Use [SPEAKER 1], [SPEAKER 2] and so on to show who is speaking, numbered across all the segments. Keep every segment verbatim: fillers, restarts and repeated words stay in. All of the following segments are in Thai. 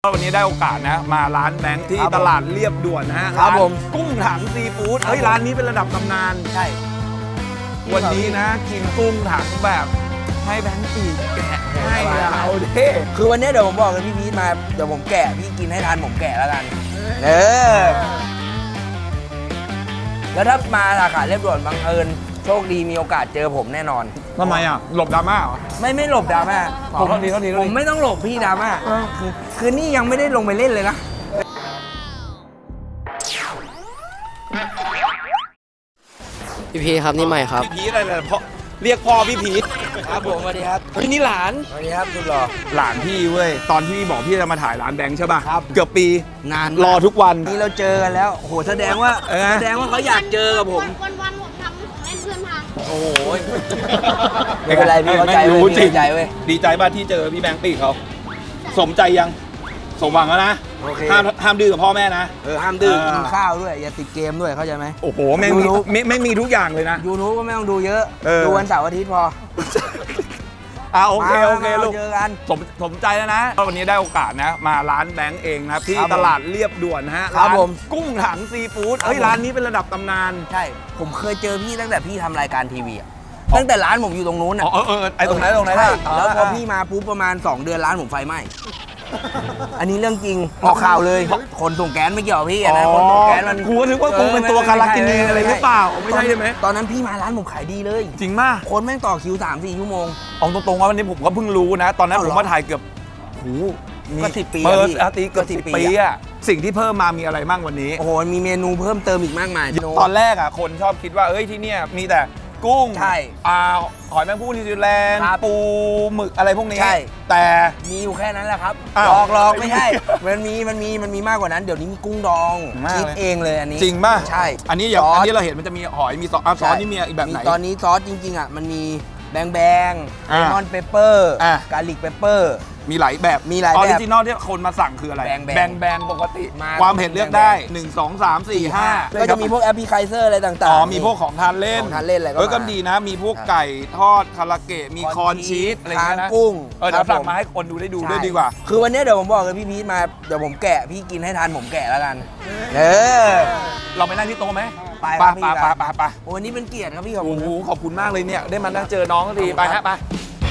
[SPEAKER 1] วันนี้ได้โอกาสนะมาร้านแบงค์ที่ตลาดเรียบด่วนนะฮะ
[SPEAKER 2] ครับผม
[SPEAKER 1] กุ้งถังซีฟู้ดเฮ้ยร้านนี้เป็นระดับตำนาน
[SPEAKER 2] ใช่
[SPEAKER 1] วันนี้นะกินกุ้งถังแบบให้แบงค์ปีกแกะให้เราเด้
[SPEAKER 2] คือวันนี้เดี๋ยวผมบอกกับพี่พีทมาเดี๋ยวผมแกะพี่กินให้ทันผมแกะแล้วกันเออแล้วถ้ามาสาขาเรียบด่วนบังเอิญโชคดีมีโอกาสเจอผมแน่นอน
[SPEAKER 1] ทำไมอ่ะหลบดราม่าเหรอ
[SPEAKER 2] ไม่ไม่หลบดราม่า
[SPEAKER 1] ผมเท่านี้เท่านี้
[SPEAKER 2] ผมไม่ต้องหลบพี่ดราม่าคือคือนี่ยังไม่ได้ลงไปเล่นเลยนะ
[SPEAKER 3] พี่พีครับนี่ใหม่ครับ
[SPEAKER 1] พี่พีอะไรเนี่ยเพราะเรียกพ่อพี่พีท
[SPEAKER 2] ครับผมสวัสดีครับ
[SPEAKER 1] เฮ้ยนี่หลาน
[SPEAKER 2] สวัสดีครับคุณหล่อ
[SPEAKER 1] หลานพี่เว้ยตอนที่พี่บอกพี่จะมาถ่ายร้านแบงค์ใช่ป่ะ
[SPEAKER 2] ครับ
[SPEAKER 1] เกือบปี
[SPEAKER 2] นาน
[SPEAKER 1] รอทุกวัน
[SPEAKER 2] นี่เราเจอกันแล้วโหแสดงว่าแสดงว่าเขาอยากเจอกับผม
[SPEAKER 4] วันวันผมทำของเล่นเพื่อนพัง
[SPEAKER 2] โอ้โหไม่เป็นไรพี่เข้าใจเว้ยดีใจเว้ย
[SPEAKER 1] ดีใจป่ะที่เจอพี่แบงค์ปีเขาสมใจยังสมหวังแล้วนะห้ามห้ามดื้อกับพ่อแม่นะ
[SPEAKER 2] เออห้ามดื้อกินข้าวด้วยอย่าติดเกมด้วยเข้าใจไหม
[SPEAKER 1] โอ้โหแม่งมีไม่ไม่มีทุกอย่างเลยนะ
[SPEAKER 2] ยูทูบก็ไม่ต้องดูเยอะดูวันเสาร์อาทิตย์พอ
[SPEAKER 1] อ่าโอเคโอเคลูก
[SPEAKER 2] เจอกัน
[SPEAKER 1] สมสมใจแล้วนะวันนี้ได้โอกาสนะมาร้านแบงค์เองนะที่ตลาดเรียบด่วนนะฮะร้านกุ้งถังซีฟู้ดเฮ้ยร้านนี้เป็นระดับตำนาน
[SPEAKER 2] ใช่ผมเคยเจอพี่ตั้งแต่พี่ทำรายการทีวีตั้งแต่ร้านผมอยู่ตรงนู้นอ่ะ
[SPEAKER 1] เออเออไอตรงไหนตรงไหน
[SPEAKER 2] แล้วพอพี่มาปุ๊บประมาณสองเดือนร้านผมไฟไหม้อันนี้เรื่องจริงออกข่าวเลยคนส่งแก๊สไม่เกี่ยวพี่นะคนส่งแก๊สมัน
[SPEAKER 1] กูก็นึกว่ากูเป็นตัวการากินีอะไรหรือเปล่าไม่ใช่ใช่ไหม
[SPEAKER 2] ตอนนั้นพี่มาร้านผมขายดีเลย
[SPEAKER 1] จริงมาก
[SPEAKER 2] คนแม่งต่อคิวสามสี่ชั่วโมง
[SPEAKER 1] เอาตรงๆว่าวันนี้ผมก็เพิ่งรู้นะตอนนั้นผมมาถ่ายเกือบโห
[SPEAKER 2] ก็สิบปี
[SPEAKER 1] เปิดอาทิตย์เกือบสิบปีอะสิ่งที่เพิ่มมามีอะไรบ้างวันนี้
[SPEAKER 2] โอ้โหมีเมนูเพิ่มเติมอีกมากมาย
[SPEAKER 1] ตอนแรกอ่ะคนชอบคิดว่าเอ้ยที่เนี่ยมีแต่กุ้ง
[SPEAKER 2] ใช่
[SPEAKER 1] อ่าหอยแมงภู่นิวซีแลนด์ปูหมึกอะไรพวกนี้
[SPEAKER 2] ใช่
[SPEAKER 1] แต่
[SPEAKER 2] มีอยู่แค่นั้นแหละครับหลอกหลอกไม่ใช่มันมีมันมีมันมีมากกว่านั้นเดี๋ยวนี้มีกุ้งดองคิดเองเลยอันนี้
[SPEAKER 1] จริงป่ะ
[SPEAKER 2] ใช่
[SPEAKER 1] อันนี้อย่างอันนี้เราเห็นมันจะมีหอยมีซอสซอสนี่มีอีกแบบไหน
[SPEAKER 2] ตอนนี้ซอสจริงๆอ่ะมันมีแบงแบงเลมอนเปเปอร์กาลิกเปเปอร์
[SPEAKER 1] มีหลายแบบ
[SPEAKER 2] มีหลายแบบ
[SPEAKER 1] ออริจินอลที่คนมาสั่งคืออะไร
[SPEAKER 2] แบง
[SPEAKER 1] แบงปกติความเผ็ดเลือกได้หนึ่ง สอง สาม สี่ ห้า
[SPEAKER 2] ก็จะมีพวกแอปพลิเคเซอร์อะไรต่างๆอ๋
[SPEAKER 1] อมีพวกของทานเล่น
[SPEAKER 2] ของทานเล่นอะไรก็
[SPEAKER 1] เออก็ดีนะมีพวกไก่ทอดคาราเกะมีคอนชีสอะไรเงี้ยนะ
[SPEAKER 2] กุ้ง
[SPEAKER 1] เออเดี๋ยวสั่งมาให้คนดูได้ดูด้วยดีกว่า
[SPEAKER 2] คือวันนี้เดี๋ยวผมบอกกับพี่พีทมาเดี๋ยวผมแกะพี่กินให้ทันผมแกะแล้วกันเออ
[SPEAKER 1] เราไปนั่งที่โต๊ะไหม
[SPEAKER 2] ไป
[SPEAKER 1] ไปไปไปไปไป
[SPEAKER 2] วันนี้เป็นเกียรติครับพี่ขอบ
[SPEAKER 1] คุณขอบคุณมากเลยเนี่ยได้มานั่งเจอน้องทีไปฮะไป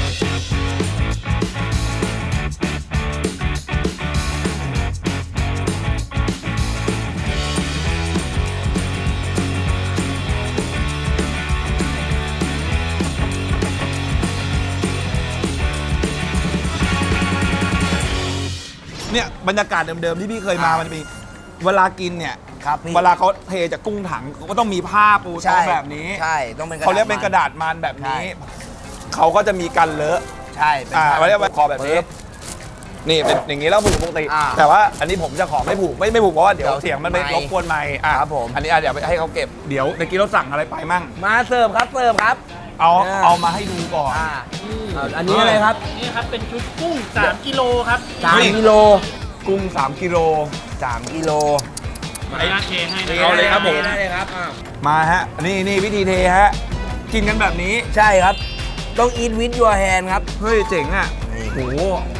[SPEAKER 1] เนี่ยบรรยากาศเดิมๆที่พี่เคยมามันจะมีเวลากินเนี่ยเวลาเขาเทจากกุ้งถังเขาก็ต้องมีผ้าปูโต๊ะแบบนี้
[SPEAKER 2] ใช่ต้องเป็น
[SPEAKER 1] เขาเรียกเป็นกระดาษมันแบบนี้เขาก็จะมีกันเลอะ
[SPEAKER 2] ใช่
[SPEAKER 1] อ่าเรียกว่าคอแบบนี้นี่เป็นอย่างนี้แล้วผูกปกติแต่ว่าอันนี้ผมจะขอไม่ผูกไม่ไม่ผูกเพราะว่าเดี๋ยวเสียงมันไปรบกวนไมค์อ่ะ
[SPEAKER 2] ครับผม
[SPEAKER 1] อันนี้เดี๋ยวให้เขาเก็บเดี๋ยวเมื่อกี้เราสั่งอะไรไปมั่ง
[SPEAKER 2] มาเสิร์ฟครับเสิร์ฟครับ
[SPEAKER 1] เอาเอามาให้ดูก่อน
[SPEAKER 2] อันนี้อะไรครับ
[SPEAKER 5] นี่ครับเป็นชุดกุ้งสามกิโลครับ
[SPEAKER 2] สามกิโล
[SPEAKER 1] กุ้งสามกิโล
[SPEAKER 2] สามกิโล
[SPEAKER 5] มาหน้าเทให้
[SPEAKER 1] เอาเลยครับผม
[SPEAKER 2] ได้เลยครับ
[SPEAKER 1] มาฮะนี่นี่วิธีเทฮะกินกันแบบนี้
[SPEAKER 2] ใช่ครับต้อง eat with your hand ครับ
[SPEAKER 1] เฮ้ยเจ๋งอ่ะโห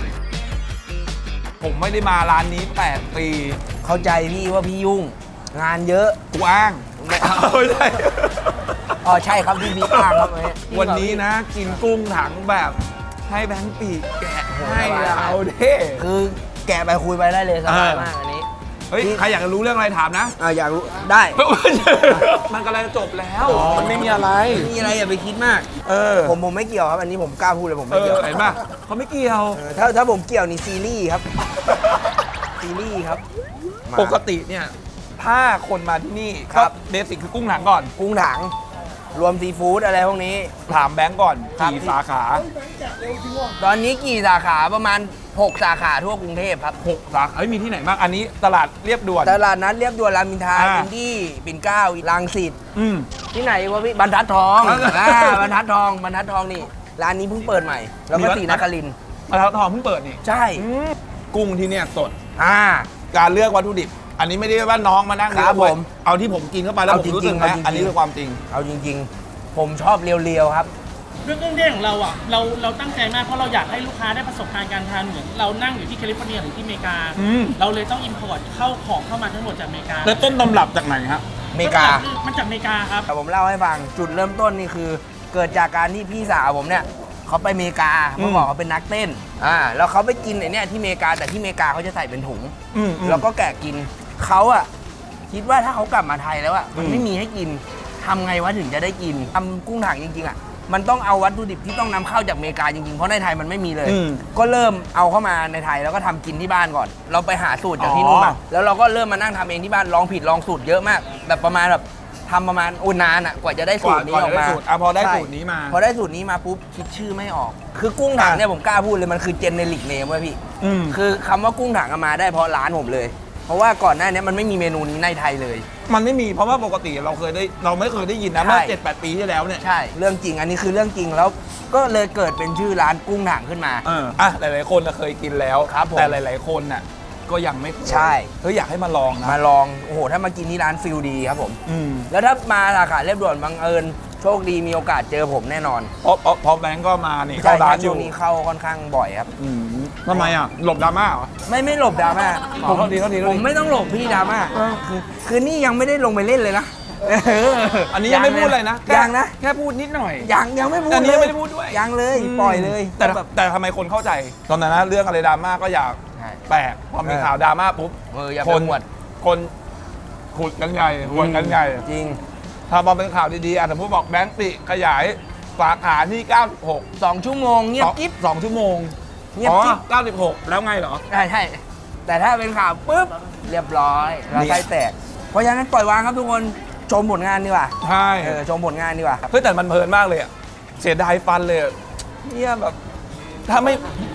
[SPEAKER 1] ผมไม่ได้มาร้านนี้แปดปี
[SPEAKER 2] เข้าใจพี่ว่าพี่ยุ่งงานเยอะ
[SPEAKER 1] กูอ้าง
[SPEAKER 2] ไม่ใช่อ๋อใช่ครับพี่พี่อ้างครับ
[SPEAKER 1] วันนี้นะกินกุ้งถังแบบให้แบงค์ปีกแกะให้เราเด้
[SPEAKER 2] คือแกะไปคุยไปได้เลยสบายมากอันนี้
[SPEAKER 1] เฮ้ยใครอยากจะรู้เรื่องอะไรถามนะ
[SPEAKER 2] อ่าอยากรู้ได้
[SPEAKER 1] มันกำลังจบแล้วมันไม่มีอะไร
[SPEAKER 2] ไม่มีอะไรอย่าไปคิดมาก
[SPEAKER 1] เออ
[SPEAKER 2] ผมผมไม่เกี่ยวครับอันนี้ผมกล้าพูดเลยผมไม่เกี่ยว
[SPEAKER 1] เห็นป่ะเขาไม่เกี่ยว
[SPEAKER 2] ถ้าถ้าผมเกี่ยวนี่ซีรีส์ครับซีรีส์ครับ
[SPEAKER 1] ปกติเนี่ยถ้าคนมาที่นี่ครับเบสิกคือกุ้งถังก่อน
[SPEAKER 2] กุ้งถังรวมซีฟู้ดอะไรพวกนี้
[SPEAKER 1] ถามแบงก์ก่อนกี่สาขา
[SPEAKER 2] ตอนนี้กี่สาขาประมาณหกสาขาทั่วกรุงเทพครับ
[SPEAKER 1] หกสาขาเฮ้ยมีที่ไหนบ้างอันนี้ตลาดเรียบด่วน
[SPEAKER 2] ตลาดนัดเรียบด่วนรามอินทราอินดี้ปิ่นเกล้ารังสิตที่ไหนวะพี่บรรทัดทองอ่าบรรทัดทองบรรทัดทองนี่ร้านนี้เพิ่งเปิดใหม่แล้วก็ศรีนครินทร์
[SPEAKER 1] บรรทัดทองเพิ่งเปิดนี่
[SPEAKER 2] ใช่
[SPEAKER 1] กุ้งที่เนี่ยสด
[SPEAKER 2] อ่า
[SPEAKER 1] การเลือกวัตถุดิบอันนี้ไม่ได้ว่าน้องมานั่ง
[SPEAKER 2] ครับผม
[SPEAKER 1] เอาที่ผมกินเข้าไปแล้วผมรู้สึกนะอันนี้คือความจริง
[SPEAKER 2] เอาจริงๆผมชอบเรียวๆครับ
[SPEAKER 5] ด้วยเครื่องเทศของเราอ่ะเราเราตั้งใจมากเพราะเราอยากให้ลูกค้าได้ประสบการณ์การทานเหมือนเรานั่งอยู่ที่แคลิฟอร์เนียหรือที่อเมริกา
[SPEAKER 1] อืม
[SPEAKER 5] เราเลยต้องอิมพอร์ตเข้าของเข้ามาทั้งหมดจากอเมริกา
[SPEAKER 1] แล้วต้นตำรับจากไหนครับ
[SPEAKER 2] อเมริกา
[SPEAKER 5] มันจากอเมริกาครับ
[SPEAKER 2] แต่ผมเล่าให้ฟังจุดเริ่มต้นนี่คือ เกิดจากการที่พี่สาวผมเนี่ยเขาไปอเมริกาเมื่อก่อนเขาเป็นนักเต้นอ่าแล้วเขาไปกินไอ้เนี่ยที่อเมริกาแต่ที่อเมริกาเขาจะใส่เป็นถุง
[SPEAKER 1] อืมอืม
[SPEAKER 2] แล้วก็แกะกินเขาอะคิดว่าถ้าเขากลับมาไทยแล้วอะมัน
[SPEAKER 1] อืม
[SPEAKER 2] ไม่มีให้กินทำไงวะถึงจะได้กินทำกุ้งถังจริงๆอะมันต้องเอาวัตถุดิบที่ต้องนำเข้าจากอเมริกาจริงๆเพราะในไทยมันไม่มีเลย
[SPEAKER 1] อืม
[SPEAKER 2] ก็เริ่มเอาเข้ามาในไทยแล้วก็ทำกินที่บ้านก่อน เราไปหาสูตรจากที่นู่น
[SPEAKER 1] อ๋
[SPEAKER 2] มา
[SPEAKER 1] อ
[SPEAKER 2] แล้วเราก็เริ่มมานั่งทำเองที่บ้านลองผิดลองสูตรเยอะมาก แบบประมาณแบบทำประมาณอุนนานอะกว่าจะได้สูตรนี้ออกมา
[SPEAKER 1] ก่นจะได้สูตรอ่ะพอได้
[SPEAKER 2] ใช่
[SPEAKER 1] สูตรนี้มา
[SPEAKER 2] พอได้สูตรนี้มาปุ๊บคิดชื่อไม่ออก คือกุ้งถังเนี่ยผมกล้าพูดเลยมันคือเจเนริกเนมเว้ยพี่
[SPEAKER 1] อืม
[SPEAKER 2] คือคำว่ากุ้งถังเอามาได้เพราะร้านผมเลย เพราะว่าก่อนหน้านี้มันไม่มีเมนูนี้ในไทยเลย
[SPEAKER 1] มันไม่มีเพราะว่าปกติเราเคยได้เราไม่เคยได้ยินนะ
[SPEAKER 2] ใช่
[SPEAKER 1] เมื่อเจ็ดแปดปีที่แล้วเนี่ย
[SPEAKER 2] ใช่ เรื่องจริงอันนี้คือเรื่องจริงแล้วก็เลยเกิดเป็นชื่อร้านกุ้งถังขึ้นมา
[SPEAKER 1] เอออ่ะหลายๆคนน่ะเคยกินแล้ว
[SPEAKER 2] ครับผม
[SPEAKER 1] แต่หลาย ๆคนน่ะก็ยังไม่เคย
[SPEAKER 2] ใช่
[SPEAKER 1] เฮ้ยอยากให้มาลองนะ
[SPEAKER 2] มาลองโอ้โหถ้ามากินที่ร้านฟิลดีครับผม
[SPEAKER 1] อืม
[SPEAKER 2] แล้วถ้ามาสาขาเรียบด่วนบังเอิญโชคดีมีโอกาสเจอผมแน่นอน
[SPEAKER 1] เพราะเพราะเพราะแบงก์ก็มานี่
[SPEAKER 2] ใช่
[SPEAKER 1] เข้าร้านอ
[SPEAKER 2] ช่
[SPEAKER 1] ยู่
[SPEAKER 2] วงนี้เข้าค่อนข้างบ่อยครับ
[SPEAKER 1] อืมทำไมอ่ะหลบดราม่าเหรอ
[SPEAKER 2] ไม่ไม่หลบดราม่า
[SPEAKER 1] อ๋อโทษทีโทษทีโทษที
[SPEAKER 2] ผมไม่ต้องหลบพี่ดราม่าคือคือนี่ยังไม่ได้ลงไปเล่นเลยนะเออ
[SPEAKER 1] อันนี้ยังไม่พูดเลยนะแค่
[SPEAKER 2] ยังนะ
[SPEAKER 1] แค่พูดนิดหน่อย
[SPEAKER 2] ยังยังไม่พูด
[SPEAKER 1] อันนี้
[SPEAKER 2] เล
[SPEAKER 1] ยัง
[SPEAKER 2] ย
[SPEAKER 1] ไม่ได้พูดด้วย
[SPEAKER 2] ยังเลยปล่อยเลย
[SPEAKER 1] แต่
[SPEAKER 2] แบบ
[SPEAKER 1] แต่ทำไมคนเข้าใจ ตอนนั้นนะเรื่องอะไรดราม่าก็อยาก
[SPEAKER 2] ใช่
[SPEAKER 1] แปลกพอมี
[SPEAKER 2] เออ
[SPEAKER 1] ข่าวดราม่าปุ๊บ
[SPEAKER 2] เอออย่า
[SPEAKER 1] ค
[SPEAKER 2] ไป
[SPEAKER 1] น
[SPEAKER 2] หวด
[SPEAKER 1] คนขุดกันใหญ่หวนกันใหญ่
[SPEAKER 2] จริง
[SPEAKER 1] ถ้าพอเป็นข่าวดีๆอ่ะสมมติบอกแบงค์ปิขยายสาขาที่เก้าสิบหก
[SPEAKER 2] สองชั่วโมงเงียบกิ๊บ
[SPEAKER 1] สองชั่วโมง
[SPEAKER 2] เงียบ
[SPEAKER 1] อ๋อ
[SPEAKER 2] กิ๊บ
[SPEAKER 1] เก้าสิบหกแล้วไงเหรอ
[SPEAKER 2] ใช่ใช่แต่ถ้าเป็นข่าวปุ๊บเรียบร้อยเรา
[SPEAKER 1] นี่
[SPEAKER 2] ไส้แตก เพราะฉะนั้นปล่อยวางครับทุกคนชมผลงานดีกว่า
[SPEAKER 1] ใช่
[SPEAKER 2] เออชมผลงานดีกว่า
[SPEAKER 1] เฮ้ยแต่มันเพลินมากเลยอ่ะเสียดายฟันเลยอะเนี่ยแบบถ้าไม่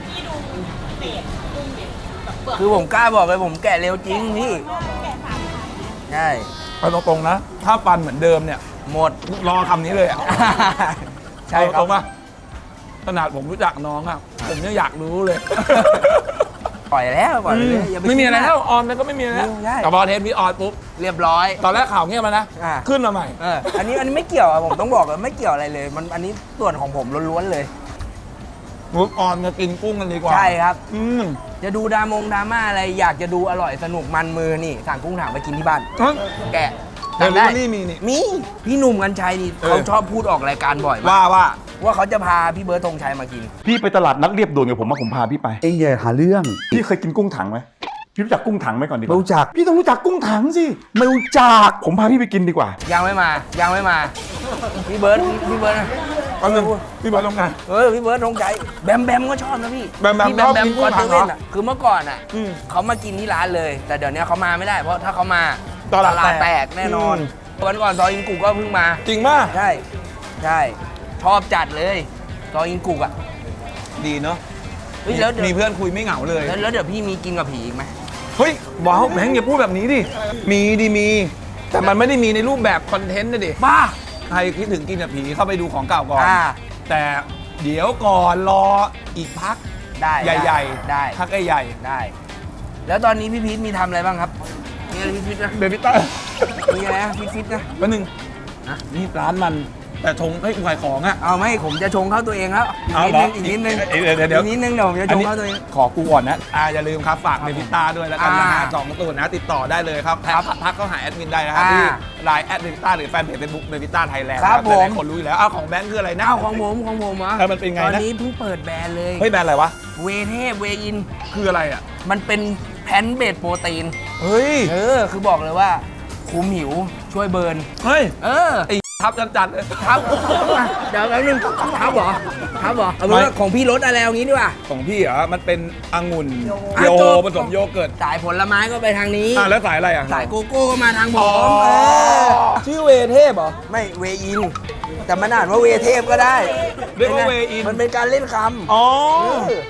[SPEAKER 2] คือผมกล้าบอกเลยผมแกะเร็วจริงพี่ใช่
[SPEAKER 1] เอาตรงๆนะ ถ้าฟันเหมือนเดิมเนี่ย
[SPEAKER 2] หมด
[SPEAKER 1] รอคำนี้เลยอ่ะ
[SPEAKER 2] ใช่ค
[SPEAKER 1] เอาต
[SPEAKER 2] รั
[SPEAKER 1] ร
[SPEAKER 2] บ
[SPEAKER 1] งป่ะขนาดผมรู้จักน้องอ่ะผมยังอยากรู้เลย
[SPEAKER 2] ปล่อยแล้วปล่อยเลยอย่าป
[SPEAKER 1] ไม่มีอะไร
[SPEAKER 2] คิดาก
[SPEAKER 1] แล้วออนมันก็ไม่มีอะไรแล้ว
[SPEAKER 2] ใช่
[SPEAKER 1] แต่พอเทปนี้ออนปุ๊บ
[SPEAKER 2] เรียบร้อย
[SPEAKER 1] ตอนแรกข่าวเงียบมานะ
[SPEAKER 2] อ่า
[SPEAKER 1] ขึ้นมาใหม่
[SPEAKER 2] เอออันนี้อันนี้ไม่เกี่ยวอะผมต้องบอกเลยไม่เกี่ยวอะไรเลย มันอันนี้ส่วนของผมล้วนๆเลย
[SPEAKER 1] ปุ๊บออนมากินกุ้งกันดีกว่า
[SPEAKER 2] ใช่ครับ
[SPEAKER 1] อืม
[SPEAKER 2] จะดูดรามงดราม่าอะไรอยากจะดูอร่อยสนุกมันมือนี่สั่งกุ้งถังไปกินที่บ้าน
[SPEAKER 1] เอ้ย
[SPEAKER 2] แกะ
[SPEAKER 1] เดี๋ยว
[SPEAKER 2] ทำได้
[SPEAKER 1] รู้ว่านี่มีนี่
[SPEAKER 2] มีพี่หนุ่มกัญชัยนี่
[SPEAKER 1] เออ
[SPEAKER 2] เขาชอบพูดออกรายการบ่อยมาก
[SPEAKER 1] ว่าว่า
[SPEAKER 2] ว่าเขาจะพาพี่เบิร์ดธงชัยมากิน
[SPEAKER 6] พี่ไปตลาดนัดเรียบด่วนกับผมมาผมพาพี่ไป
[SPEAKER 7] เองอย่าหาเรื่อง
[SPEAKER 6] พี่เคยกินกุ้งถังไหมพี่รู้จักกุ้งถังไหมก่อนดีก
[SPEAKER 7] ไม่
[SPEAKER 6] ว่า
[SPEAKER 7] รู้จัก
[SPEAKER 6] พี่ต้องรู้จักกุ้งถังสิ
[SPEAKER 7] ไม่รู้จัก
[SPEAKER 6] ผมพาพี่ไปกินดีกว่า
[SPEAKER 2] ยังไม่มายังไม่มาพี่เบิร์ดพี่เบิร์ดนะ
[SPEAKER 1] เอาหนึ่งพี่บอลลงงาน
[SPEAKER 2] เออพี่เบิร์ดธงชัยแบมแบมก็ชอบนะพี่
[SPEAKER 1] แบมแบม
[SPEAKER 2] พี่แบ
[SPEAKER 1] ช
[SPEAKER 2] ม
[SPEAKER 1] อบ
[SPEAKER 2] แบม
[SPEAKER 1] กินกุ้
[SPEAKER 2] คอง น
[SPEAKER 1] ถั
[SPEAKER 2] เท
[SPEAKER 1] งเหรอ
[SPEAKER 2] เว่นอ่ะคือเมื่อก่อนอ่ะ
[SPEAKER 1] อืม
[SPEAKER 2] เขามากินที่ร้านเลย แต่เดี๋ยวนี้เขามาไม่ได้เพราะถ้าเขามา
[SPEAKER 1] ตลาดแตก
[SPEAKER 2] แตกแน่นอน
[SPEAKER 1] อื
[SPEAKER 2] วันก่อนซอยอินกุกก็เพิ่งมา
[SPEAKER 1] จริงป่ะ
[SPEAKER 2] ใช่ใช่ชอบจัดเลยซอยอินกุกอ่ะ
[SPEAKER 1] ดีเนาะ
[SPEAKER 2] เฮ้ยแล้วเดี๋ยว
[SPEAKER 1] มีเพื่อนคุยไม่เหงาเลย
[SPEAKER 2] แล้วแล้วเดี๋ยวพี่มีกินกับผีอีกไหม
[SPEAKER 1] เฮ้ยว้าวแบงค์อย่าพูดแบบนี้ดิ มีดิมี แต่มันไม่ได้มีในรูปแบบคอนเทนต์นะดิ
[SPEAKER 2] บ้า
[SPEAKER 1] ใครคิดถึงกินกับผีเข้าไปดูของเก่าก่อน
[SPEAKER 2] อ่า
[SPEAKER 1] แต่เดี๋ยวก่อนรออีกพัก
[SPEAKER 2] ได้
[SPEAKER 1] ใหญ่ๆ
[SPEAKER 2] ได้
[SPEAKER 1] พักใหญ่
[SPEAKER 2] ได้ แล้วตอนนี้พี่พีทมีทำอะไรบ้างครับมีอะไรฟิตๆนะ
[SPEAKER 1] ๆเบบี้ต้า
[SPEAKER 2] มีอะไรนะฟิตๆนะ
[SPEAKER 1] แป๊บนึง
[SPEAKER 2] ฮะ
[SPEAKER 1] นี่ร้านมันแต่ชงให้กูขายของอ่ะ
[SPEAKER 2] เอาไหมผมจะชงเข้าตัวเองแล้ว
[SPEAKER 1] เอา
[SPEAKER 2] อีก
[SPEAKER 1] เหรอ
[SPEAKER 2] นิดนึง
[SPEAKER 1] อี
[SPEAKER 2] อี
[SPEAKER 1] ก
[SPEAKER 2] กนิดนึง
[SPEAKER 1] เดี๋ยวเดี๋ยว
[SPEAKER 2] อีกนิดนึงเดี๋ยวผมจะชงเข้าตัวเอง
[SPEAKER 1] ขอกูก่อนนะอ่าอย่าลืมครับฝากเบบี้ต้าด้วยแล้วกันนะฮะ
[SPEAKER 2] อ่า
[SPEAKER 1] สองตูนนะติดต่อได้เลยครับทักทักเข้าหาแอดมินได้นะครับ
[SPEAKER 2] อ่า
[SPEAKER 1] ที่ไลน์แอดเบบี้ต้าหรือแฟนเพจเฟซบุ๊กเบบี้ต้าไทยแลนด์
[SPEAKER 2] ครับ
[SPEAKER 1] หลาย
[SPEAKER 2] ผม
[SPEAKER 1] ๆคนรู้อยู่แล้วอ้าวของแบงค์คืออะไรนะ
[SPEAKER 2] เอ้าของผมของผมเหรอ
[SPEAKER 1] เออมันเป็นไงนะ
[SPEAKER 2] ตอนนี้เพิ่งเปิดแบรนด์เลย
[SPEAKER 1] เฮ้ยแบรนด์อะไรวะ
[SPEAKER 2] เวเทพเวอิน
[SPEAKER 1] คืออะไรอ่ะ
[SPEAKER 2] มันเป็นแพนเบดโปรตีน
[SPEAKER 1] เฮ้ย
[SPEAKER 2] เออ คือบอกเลยว่าคุมหิวช่วยเบิร์น
[SPEAKER 1] เฮ้ย
[SPEAKER 2] เออ
[SPEAKER 1] ไอ้ทับจัดๆเลย
[SPEAKER 2] ครับเดี๋ยวแป๊บนึงครับเหรอครับเหรอเอาเป็นว่าของพี่รสอะไรเอางี้ดีกว่า
[SPEAKER 1] ของพี่เหรอมันเป็นองุ่น
[SPEAKER 2] อ่ะ
[SPEAKER 1] โย
[SPEAKER 2] จบ
[SPEAKER 1] ผสมโยเกิร์ต
[SPEAKER 2] สายผลไม้ก็ไปทางนี้
[SPEAKER 1] อ่ะแล้วสายอะไรอ่ะ
[SPEAKER 2] สายโกโก้ก็มาทางผ
[SPEAKER 1] อ๋อ
[SPEAKER 2] มเออ
[SPEAKER 1] ชื่อเวเทพเหรอ
[SPEAKER 2] ไม่เวอิน แต่มันอ่านว่าเวเทพก็ได้
[SPEAKER 1] เรียกว่าเวอิน
[SPEAKER 2] มันเป็นการเล่นคำ
[SPEAKER 1] อ๋อ
[SPEAKER 2] เออ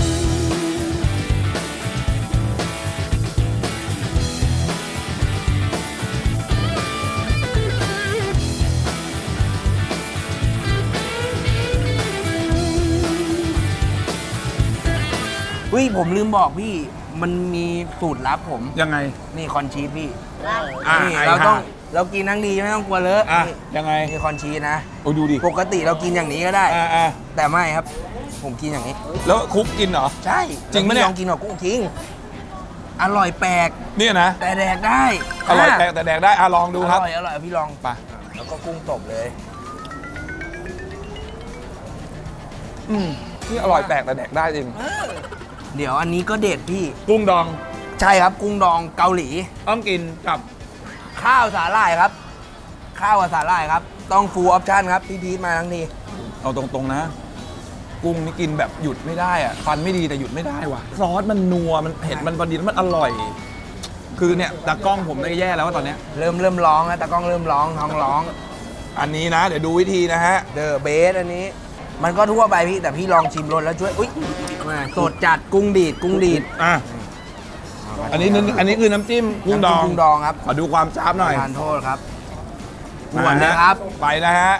[SPEAKER 2] เฮ้ยผมลืมบอกพี่ มันมีสูตรลับผม
[SPEAKER 1] ยังไง
[SPEAKER 2] นี่คอนชีสพี่
[SPEAKER 1] อ่ะ
[SPEAKER 2] นี่
[SPEAKER 1] ไอ้
[SPEAKER 2] เราต้อง
[SPEAKER 1] ห่า
[SPEAKER 2] เรากินทั้งดีไม่ต้องกลัวเลอะ
[SPEAKER 1] อ่ะ
[SPEAKER 2] นี่
[SPEAKER 1] ยังไง
[SPEAKER 2] นี่คอนชีสนะ
[SPEAKER 1] โอ้ดูดิ
[SPEAKER 2] ปกติเรากินอย่างนี้ก็ได้
[SPEAKER 1] อ่าอ่า
[SPEAKER 2] แต่ไม่ครับ ผมกินอย่างนี้
[SPEAKER 1] แล้วคุกกินเหรอ
[SPEAKER 2] ใช่
[SPEAKER 1] จริงปะเนี่ย
[SPEAKER 2] ลองกินกับกุ้งทิ้งอร่อยแปลก
[SPEAKER 1] เนี่ยนะ
[SPEAKER 2] แต่แดกได้
[SPEAKER 1] อร่อยแปลกแต่แดกได้อ่ะลองดูครับ
[SPEAKER 2] อร่อยอร่อยพี่ลอง
[SPEAKER 1] ไป
[SPEAKER 2] แล้วก็กุ้งตบเลย
[SPEAKER 1] อืมนี่อร่อยแปลกแต่แดกได้จริง
[SPEAKER 2] เดี๋ยวอันนี้ก็เด็ดพี่
[SPEAKER 1] กุ้งดอง
[SPEAKER 2] ใช่ครับกุ้งดองเกาหลี
[SPEAKER 1] ต้องกินกับ
[SPEAKER 2] ข้าวสาหร่ายครับ ข้าวกับสาหร่ายครับ ต้องฟูลออปชั่นครับพี่พีทมาทั้งที
[SPEAKER 1] เอาตรงๆนะ กุ้งนี่กินแบบหยุดไม่ได้อะฟันไม่ดีแต่หยุดไม่ได้ว่ะซอสมันนัวมันเผ็ดมันพอดีแล้วมันอร่อย คือเนี่ยตากล้องผมได้แย่แล้วว่าตอนเนี้ย
[SPEAKER 2] เริ่มเริ่มร้องแล้วตากล้องเริ่มร้องท้องร้อง
[SPEAKER 1] อันนี้นะ เดี๋ยวดูวิธีนะฮะ
[SPEAKER 2] เดอะเบสอันนี้ มันก็ทั่วไปพี่แต่พี่ลองชิมรสแล้วช่วยอุ้ยมาสดจัดกุ้งดีดกุ้งดีด
[SPEAKER 1] อ่ะอันนี้นึงอันนี้คือน้ำจิ้มกุ้งดอง
[SPEAKER 2] น้ำจิ้มกุ้งดองครับ
[SPEAKER 1] ขอดูความจ้าบหน่อย
[SPEAKER 2] ทานโทษครับ
[SPEAKER 1] มา
[SPEAKER 2] หวานนะครับ
[SPEAKER 1] ไปนะฮะ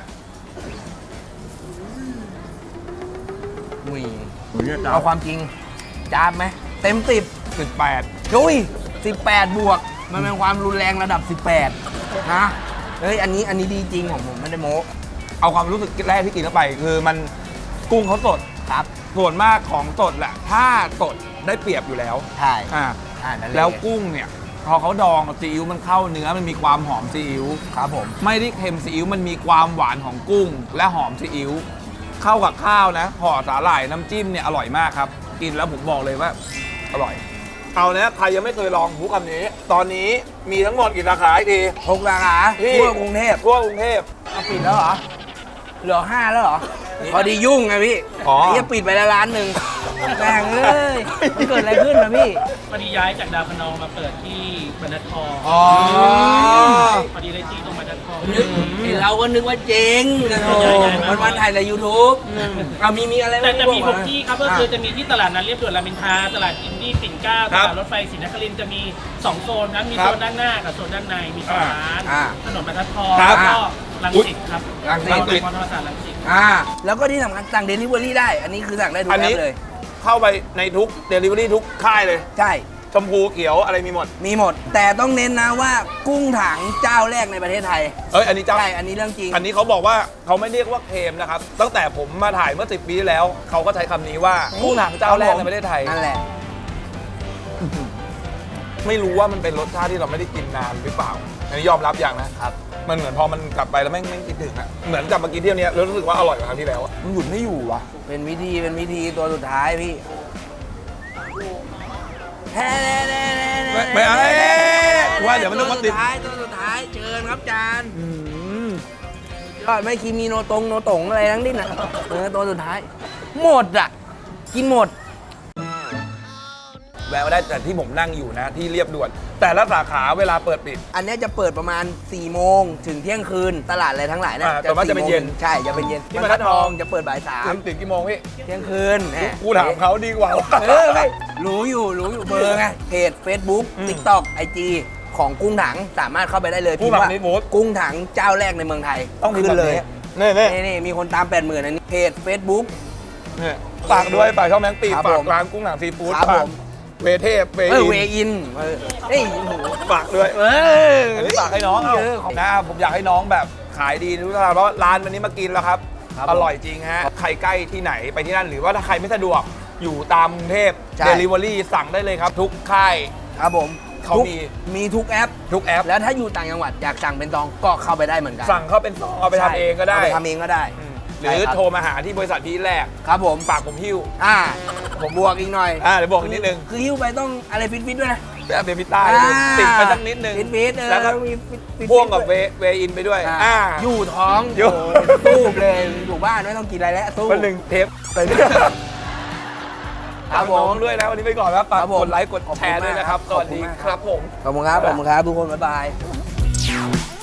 [SPEAKER 2] อุ้ยเอาความจริงจ้าบไหมเต็มสิบ
[SPEAKER 1] สิบแปด
[SPEAKER 2] ดุยสิบแปดบวก มันเป็นความรุนแรงระดับสิบแปดนะเฮ้ยอันนี้อันนี้ดีจริงของผมไม่ได้โม้
[SPEAKER 1] เอาความรู้สึกแรกที่กินเข้าไป คือมันกุ้งเขาสด
[SPEAKER 2] ครับ
[SPEAKER 1] ส่วนมากของสดแหละ ถ้าสดได้เปรียบอยู่แล้ว
[SPEAKER 2] ใช่
[SPEAKER 1] อ่า
[SPEAKER 2] อ่านั่นเย
[SPEAKER 1] แล้วกุ้งเนี่ยพอเขาดองซีอิ๊วมันเข้าเนื้อมันมีความหอมซีอิ๊ว
[SPEAKER 2] ครับผม
[SPEAKER 1] ไม่ได้เค็มซีอิ๊วมันมีความหวานของกุ้ง และหอมซีอิ๊วเข้ากับข้าวนะห่อสาหร่ายน้ำจิ้มเนี่ยอร่อยมากครับ กินแล้วผมบอกเลยว่าอร่อย เอาเนี้ยใครยังไม่เคยลองพูดคำนี้ ตอนนี้มีทั้งหมดกี่สาขาอีกที
[SPEAKER 2] หกสาขา
[SPEAKER 1] พี่
[SPEAKER 2] ทั่วกรุงเทพ
[SPEAKER 1] ทั่วกรุงเทพ
[SPEAKER 2] เอาปิดแล้วเหรอ เหลือห้าแล้วเหรอ พอดียุ่งไงพี่
[SPEAKER 1] อ๋อ
[SPEAKER 2] ไอ้เหี้ยปิดไปแล้วร้านหนึ่งแม่งเอ้ยมันเกิดอะไรขึ้นนะพี่
[SPEAKER 5] พอดีย้ายจากดาวพนองมาเปิดที่บรรทัดทอง
[SPEAKER 2] อ๋อ
[SPEAKER 5] พอดีได้ที่ตรงบรรทัดทอง
[SPEAKER 2] นึกไอ้เราก็นึกว่าเจ๊งโอ้มันวันถ่ายใน ยูทูบเอามีมีอะไร
[SPEAKER 5] แต่จะมี
[SPEAKER 2] บ
[SPEAKER 5] ห
[SPEAKER 2] อก
[SPEAKER 5] กที่ครับก็คือจะมีที่ตลาดนัดเรียบด่วนรามอินทราตลาดอินดี้ปิ่นเกล้าตลาดรถไฟศรีนครินทร์จะมีสองโซนนั้นมีโซนด้านหน้ากับโซนด้านในมีสองร้านถนนบรรทัดทองแล้วก็รังสิตครับ
[SPEAKER 2] รังสิต
[SPEAKER 5] มอธรรมศาสตร์รังสิต
[SPEAKER 2] อ่าแล้วก็ที่สำคัญสั่งเดลิเวอรี่ได้ อันนี้คือสั่งได้ทุก
[SPEAKER 1] อัน
[SPEAKER 2] แอ
[SPEAKER 1] นี้
[SPEAKER 2] ปเลย
[SPEAKER 1] เข้าไปในทุกเดลิเวอรี่ทุกค่ายเลย
[SPEAKER 2] ใช่
[SPEAKER 1] ชมพูเขียวอะไรมีหมด
[SPEAKER 2] มีหมด แต่ต้องเน้นนะว่ากุ้งถังเจ้าแรกในประเทศไทย
[SPEAKER 1] เอ้ยอันนี้เจ้า
[SPEAKER 2] ใช่ อันนี้เรื่องจริง
[SPEAKER 1] อันนี้เขาบอกว่าเขาไม่เรียกว่าเค็มนะครับ ตั้งแต่ผมมาถ่ายเมื่อสิบปีที่แล้ว เขาก็ใช้คำนี้ว่ากุ้งถังเจ้าแรกในประเทศไทย
[SPEAKER 2] นั่นแหละ
[SPEAKER 1] ไม่รู้ว่ามันเป็นรสชาติที่เราไม่ได้กินนานหรือเปล่าอันนี้ยอมรับอย่างนะครับ มันเหมือนพอมันกลับไปแล้วแม่งไม่คิดถึงอะเหมือนกลับมากินเที่ยวเนี้ยแล้วรู้สึกว่าอร่อยกว่าครั้งที่แล้วอะมันหยุดไม่อยู่วะ
[SPEAKER 2] เป็นวิธีเป็นวิธีตัวสุดท้ายพี่
[SPEAKER 1] ไม่ไม่เอาเอ๊ะว่าเดี๋ยวมันต้องมาติด
[SPEAKER 2] ตัวสุดท้ายตัวสุดท้ายเชิญครับจานยอดไม่คีมีโนตรงโนตงอะไรทั้งดิ้นอ่ะเออตัวสุดท้าย หมดอ่ะ กินหมด
[SPEAKER 1] แวะมาได้แต่ที่ผมนั่งอยู่นะที่เรียบด่วน แต่ละสาขาเวลาเปิดปิด
[SPEAKER 2] อันเนี้ยจะเปิดประมาณ4ี่โมงถึงเที่ยงคืนตลาดอะไรทั้งหลายนะ
[SPEAKER 1] อ่าแต่ว่าจะเป็นเย็น
[SPEAKER 2] ใช่จะเป็นเย็น
[SPEAKER 1] ที่บรรทัดทอง
[SPEAKER 2] จะเปิดบ่ายสาม
[SPEAKER 1] ถึงถึงกี่โมงพี่
[SPEAKER 2] เที่ยงคืนแหม
[SPEAKER 1] กูถามเขาดีกว่า
[SPEAKER 2] เออไม่รู้อยู่รู้อยู่เบอร์ไงเพจ Facebook
[SPEAKER 1] อืม
[SPEAKER 2] TikTok ไอ จี ของกุ้งถังสามารถเข้าไปได้เลย
[SPEAKER 1] กุ้
[SPEAKER 2] พิ
[SPEAKER 1] ง
[SPEAKER 2] ม
[SPEAKER 1] ถั
[SPEAKER 2] พ์
[SPEAKER 1] ง
[SPEAKER 2] ว่า
[SPEAKER 1] นิดมูด
[SPEAKER 2] กุ้งถังเจ้าแรกในเมืองไทย
[SPEAKER 1] ต้องพิมพ์
[SPEAKER 2] ขึ้น
[SPEAKER 1] แบบ
[SPEAKER 2] เลย
[SPEAKER 1] นี้นี่นี่
[SPEAKER 2] นี่นี่มีคนตามแปดหมื่นอันนี้เพจ Facebook
[SPEAKER 1] นี่ฝากด้วยฝากช่องแมงปี
[SPEAKER 2] ครับ
[SPEAKER 1] ฝา
[SPEAKER 2] ผ
[SPEAKER 1] ก
[SPEAKER 2] ม
[SPEAKER 1] ร้านกุ้งหนังซีฟู้ด
[SPEAKER 2] ครับ
[SPEAKER 1] ฝาก
[SPEAKER 2] ผม
[SPEAKER 1] เวเทพเว
[SPEAKER 2] เออ
[SPEAKER 1] อิ
[SPEAKER 2] เวน อินเออเอ้ยโอ้โห
[SPEAKER 1] ฝากด้วย
[SPEAKER 2] เออ
[SPEAKER 1] อันนี้ฝากให้น้องเอา
[SPEAKER 2] เออของ
[SPEAKER 1] นะผมอยากให้น้องแบบขายดีทุกท่านเพราะร้านวันนี้มากินแล้วครับ
[SPEAKER 2] ครับ
[SPEAKER 1] อร่อยจริงฮะใครใกล้ที่ไหนไปที่นั่นหรือว่าถ้าใครไม่สะดวกอยู่ตามกรุงเทพ
[SPEAKER 2] ใช่
[SPEAKER 1] เดลิเวอรี่สั่งได้เลยครับ ทุกค่าย
[SPEAKER 2] ครับผม
[SPEAKER 1] เขา
[SPEAKER 2] ทุก
[SPEAKER 1] มี
[SPEAKER 2] มีทุกแอป
[SPEAKER 1] ทุกแอป
[SPEAKER 2] แล้วถ้าอยู่ต่างจังหวัดอยากสั่งเป็นซองก็เข้าไปได้เหมือนกัน
[SPEAKER 1] สั่งเข้าเป็นซองเอาไปทำเองก็ได้
[SPEAKER 2] าไปทำเองก็ได้
[SPEAKER 1] อืมหรือ
[SPEAKER 2] ใช่ครับ
[SPEAKER 1] โทรมาหาที่บริษัทที่แรก
[SPEAKER 2] ครับผม
[SPEAKER 1] ฝากผมหิ้ว
[SPEAKER 2] อ่าผมบวกอีกหน่อย
[SPEAKER 1] อ่าเดี๋ยวบอกอีกนิดนึง
[SPEAKER 2] คือหิ้วไปต้องอะไรฟิตๆด้วยนะ
[SPEAKER 1] แบบเบบี้ต้า
[SPEAKER 2] อ่า
[SPEAKER 1] ติดไปสักนิดนึง
[SPEAKER 2] ฟิตๆเออ
[SPEAKER 1] แล้วก็
[SPEAKER 2] มีฟิตๆ
[SPEAKER 1] พ่วงกับเว
[SPEAKER 2] ด้วย
[SPEAKER 1] เวอินไปด้วย
[SPEAKER 2] อ่า
[SPEAKER 1] อ่า
[SPEAKER 2] อยู่ท้อง
[SPEAKER 1] อยู่
[SPEAKER 2] โอ้โหตู้มเลยอยู่บ้านไม่ต้องกินอะไรแล้วตู้
[SPEAKER 1] วันหนึ่งเทปไปด้วย
[SPEAKER 2] ครับผม
[SPEAKER 1] น้องด้วยนะวันนี้ไปก่อนครับฝาก
[SPEAKER 2] ครับผม
[SPEAKER 1] กดไลค์กดแชร์ด้วยนะครับ ส
[SPEAKER 2] ขอบ
[SPEAKER 1] วัส
[SPEAKER 2] คุณ
[SPEAKER 1] ดี
[SPEAKER 2] มาก
[SPEAKER 1] ครับผม
[SPEAKER 2] ขอบคุณครับขอบคุณครับทุกคนบ๊ายบาย